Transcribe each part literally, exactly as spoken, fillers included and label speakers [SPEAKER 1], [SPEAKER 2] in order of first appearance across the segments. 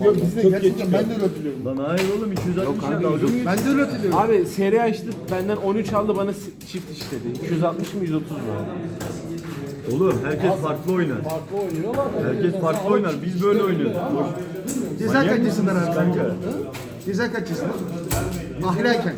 [SPEAKER 1] Yok bizde gerçekten ben de öyle hatırlıyorum.
[SPEAKER 2] Lan hayır oğlum iki yüz altmış ya dalga.
[SPEAKER 1] Ben de öyle hatırlıyorum.
[SPEAKER 3] Abi seri açtı benden on üç aldı bana çift işledi. iki yüz altmış mı yüz otuz mu?
[SPEAKER 2] Oğlum herkes farklı oynar.
[SPEAKER 1] Farklı oynuyorlar.
[SPEAKER 2] Herkes farklı oynar. Biz böyle oynuyoruz.
[SPEAKER 1] Ceza kaç yaşından abi kanka? Ceza kaç yaşından? Ahliyken.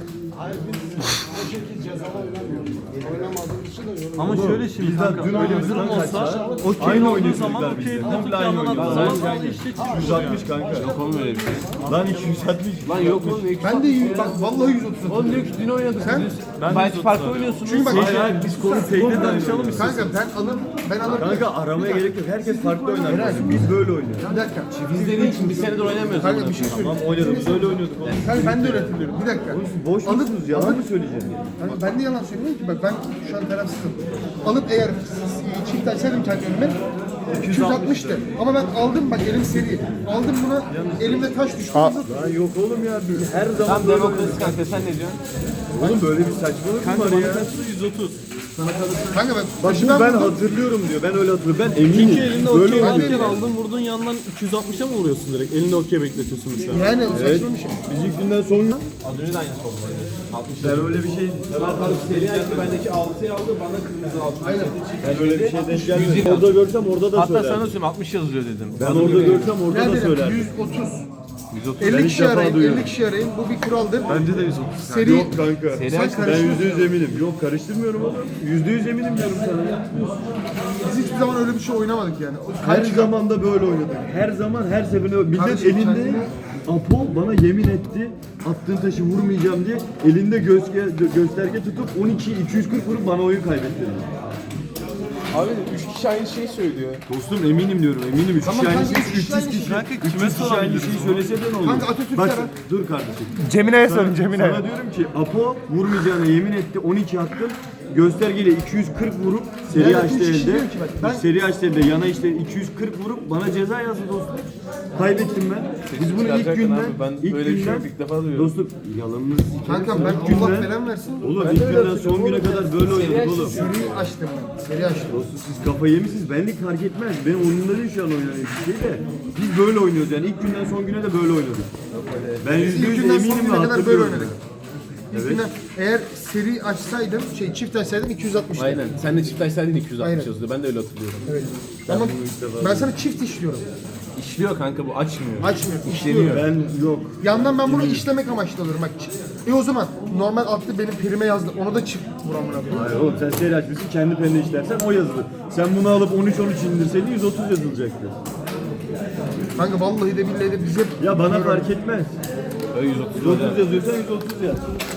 [SPEAKER 4] Ama şöyle şimdi
[SPEAKER 2] Bizden
[SPEAKER 4] kanka,
[SPEAKER 2] dün
[SPEAKER 4] öyle bir
[SPEAKER 2] oynadıktan
[SPEAKER 4] durum
[SPEAKER 2] kaçsa,
[SPEAKER 4] olsa
[SPEAKER 2] okey
[SPEAKER 4] aynı
[SPEAKER 2] oynuyor
[SPEAKER 4] olduğu zaman
[SPEAKER 2] çocuklar
[SPEAKER 4] okey
[SPEAKER 2] bizde.
[SPEAKER 4] komple
[SPEAKER 2] Komple aynı
[SPEAKER 4] yandan
[SPEAKER 2] oynuyor.
[SPEAKER 4] attığı
[SPEAKER 2] Lan
[SPEAKER 4] zaman
[SPEAKER 2] sen-
[SPEAKER 4] işte
[SPEAKER 2] yüz altmış kanka.
[SPEAKER 3] Yok oğlum öyle bir şey.
[SPEAKER 2] Lan iki yüz altmış.
[SPEAKER 3] Lan yok oğlum ne
[SPEAKER 1] Ben de yüz- bak vallahi yüz otuz.
[SPEAKER 3] Oğlum diyor ki dün oynadık.
[SPEAKER 1] Sen?
[SPEAKER 3] Ben belki farklı oynuyorsunuz.
[SPEAKER 1] Çünkü bak
[SPEAKER 2] Hayır hayır biz konu Seyit'e danışalım istiyorsan.
[SPEAKER 1] kanka ben alır ben alır.
[SPEAKER 2] Kanka aramaya gerek yok. Herkes farklı oynar. Biz böyle oynuyoruz.
[SPEAKER 1] Bir dakika.
[SPEAKER 3] Biz dediğin için bir senedir oynamıyoruz.
[SPEAKER 1] Kanka bir şey söyleyeyim.
[SPEAKER 2] Tamam oynadığımız öyle oynuyorduk oğlum.
[SPEAKER 1] Kanka ben de öyle hatırlıyorum. Bir dakika.
[SPEAKER 2] Boş
[SPEAKER 1] Alıp-
[SPEAKER 2] musunuz? Yalan mı söyleyeceğim?
[SPEAKER 1] Kanka ben de yalan söylemiyorum ki. Bak ben şu an tarafsızım. Alıp eğer çift açsaydım kendi önüme iki yüz altmıştı. Ama ben aldım bak elim seri. Aldım buna elimde taş düştü.
[SPEAKER 2] Lan yok oğlum ya. Biz her zaman
[SPEAKER 3] Tam
[SPEAKER 2] böyle
[SPEAKER 3] demokrasi kanka sen ne diyorsun?
[SPEAKER 2] Oğlum böyle bir saçmalık mı var ya?
[SPEAKER 4] yüz otuz.
[SPEAKER 1] Kanka ben
[SPEAKER 2] Bak
[SPEAKER 1] başından
[SPEAKER 2] bunu ben
[SPEAKER 1] vurdum.
[SPEAKER 2] hatırlıyorum diyor. Ben öyle hatırlıyorum. Ben eminim.
[SPEAKER 4] Çünkü elinde
[SPEAKER 2] Böyle
[SPEAKER 4] okey
[SPEAKER 2] oynuyor.
[SPEAKER 4] varken aldın vurdun yandan iki yüz altmışa mı vuruyorsun direkt? Elinde okey bekletiyorsun mesela.
[SPEAKER 1] Yani saçma bir şey.
[SPEAKER 2] Biz ilk günden sonra
[SPEAKER 3] Az önce de aynısı oldu.
[SPEAKER 2] ben öyle bir şey
[SPEAKER 3] Ömer Faruk seri açtı bendeki altıyı aldı bana kırmızı altı. Aynen.
[SPEAKER 2] ben öyle bir şey denk gelmedim.
[SPEAKER 3] Yüz
[SPEAKER 2] Orada görsem orada da
[SPEAKER 3] Hatta sana
[SPEAKER 2] söylerdim.
[SPEAKER 3] söyleyeyim altmış yazıyor dedim.
[SPEAKER 2] Ben orada görsem orada da
[SPEAKER 1] Nerede?
[SPEAKER 2] söylerdim.
[SPEAKER 1] yüz otuz.
[SPEAKER 3] yüz otuz.
[SPEAKER 2] Ben
[SPEAKER 1] elli
[SPEAKER 2] ilk
[SPEAKER 1] kişi
[SPEAKER 2] defa
[SPEAKER 1] arayın,
[SPEAKER 2] duyuyorum.
[SPEAKER 1] elli kişi arayın. Bu bir kuraldır.
[SPEAKER 2] Bence de yüz otuz.
[SPEAKER 1] Seri
[SPEAKER 2] Yok kanka.
[SPEAKER 3] Seri
[SPEAKER 1] Sen
[SPEAKER 3] aç.
[SPEAKER 2] Ben
[SPEAKER 1] karıştırıyorsun.
[SPEAKER 2] yüzde yüz eminim. Yok karıştırmıyorum oğlum. Yüzde yüz eminim diyorum sana.
[SPEAKER 1] Biz hiçbir zaman öyle bir şey oynamadık yani. O
[SPEAKER 2] Her
[SPEAKER 1] kaç-
[SPEAKER 2] zaman da böyle oynadık. Her zaman her seferinde millet
[SPEAKER 1] Kardeşim
[SPEAKER 2] elinde
[SPEAKER 1] kendine-
[SPEAKER 2] Apo bana yemin etti. Attığın taşı vurmayacağım diye elinde gösterge, gösterge tutup on iki iki yüz kırk vurup bana oyun kaybettirdi.
[SPEAKER 3] Abi üç kişi aynı şeyi söylüyor.
[SPEAKER 2] Dostum eminim diyorum eminim. Üç
[SPEAKER 1] Tamam
[SPEAKER 2] kişi aynı
[SPEAKER 1] kanka,
[SPEAKER 2] şey,
[SPEAKER 1] üç kişi
[SPEAKER 2] üç yüz
[SPEAKER 1] aynı
[SPEAKER 2] kişi.
[SPEAKER 1] şey.
[SPEAKER 4] Kanka,
[SPEAKER 2] üç
[SPEAKER 4] kime
[SPEAKER 2] yüz kişi aynı
[SPEAKER 4] sorabiliriz
[SPEAKER 2] şeyi
[SPEAKER 4] bunu?
[SPEAKER 2] söylese de ne olur?
[SPEAKER 1] Kanka, Atatürk'e
[SPEAKER 2] Bak,
[SPEAKER 1] ara.
[SPEAKER 2] dur kardeşim.
[SPEAKER 1] Cemine'ye
[SPEAKER 2] Sana, sana diyorum ki Apo vurmayacağına yemin etti. on iki attım. Göstergeyle iki yüz kırk vurup seri
[SPEAKER 1] Yani
[SPEAKER 2] açtı
[SPEAKER 1] üç kişi
[SPEAKER 2] elde.
[SPEAKER 1] diyor ki bak, ben-
[SPEAKER 2] Seri açtı elde. Yana işte iki yüz kırk vurup bana ceza yazdı dostum. Kaybettim ben. Biz bunu ilk
[SPEAKER 3] çıkaracaktın
[SPEAKER 2] günden,
[SPEAKER 3] abi, ben
[SPEAKER 2] ilk
[SPEAKER 3] böyle bir şey
[SPEAKER 2] günden,
[SPEAKER 3] yok, ilk defa duyuyorum.
[SPEAKER 2] dostum yalanınız.
[SPEAKER 1] Kanka ben
[SPEAKER 2] İlk
[SPEAKER 1] Allah
[SPEAKER 2] günden-
[SPEAKER 1] falan versin.
[SPEAKER 2] Oğlum ilk günden son güne kadar böyle oynadık oğlum.
[SPEAKER 1] Seri açtım ben. Seri açtım.
[SPEAKER 2] Dostum siz kafayı yemişsiniz. Benlik fark etmez. Benim oyunumda değil şu an oynanan bir şey de. Biz böyle oynuyoruz yani. İlk günden son güne de böyle oynadık. Ben yüzde
[SPEAKER 1] İlk
[SPEAKER 2] yüz
[SPEAKER 1] günden son
[SPEAKER 2] eminim ve
[SPEAKER 1] güne kadar böyle
[SPEAKER 2] hatırlıyorum.
[SPEAKER 1] oynadık. İlk günden eğer seri açsaydım, şey çift açsaydım iki yüz altmıştı.
[SPEAKER 3] Aynen. Sen de çift açsaydın iki yüz altmış
[SPEAKER 1] Aynen.
[SPEAKER 3] yazıyor. Ben de öyle hatırlıyorum.
[SPEAKER 1] Evet. Ama ben sana çift işliyorum.
[SPEAKER 3] İşliyor kanka bu açmıyor.
[SPEAKER 1] Açmıyor, işliyor.
[SPEAKER 2] Ben yok.
[SPEAKER 1] Yandan ben bunu işlemek amaçlı alıyorum bak. çift- E o zaman normal attı benim prime yazdı. Onu da çift vuramına koyayım.
[SPEAKER 2] Hayır oğlum sen seri açmışsın kendi penine işlersen o yazılır. Sen bunu alıp on üç on üç indirseydin yüz otuz yazılacaktı.
[SPEAKER 1] Kanka vallahi de billahi de biz hep
[SPEAKER 2] Ya bana fark etmez.
[SPEAKER 3] Öyle yüz otuz.
[SPEAKER 2] yüz otuz yazıyorsan yüz otuz yaz.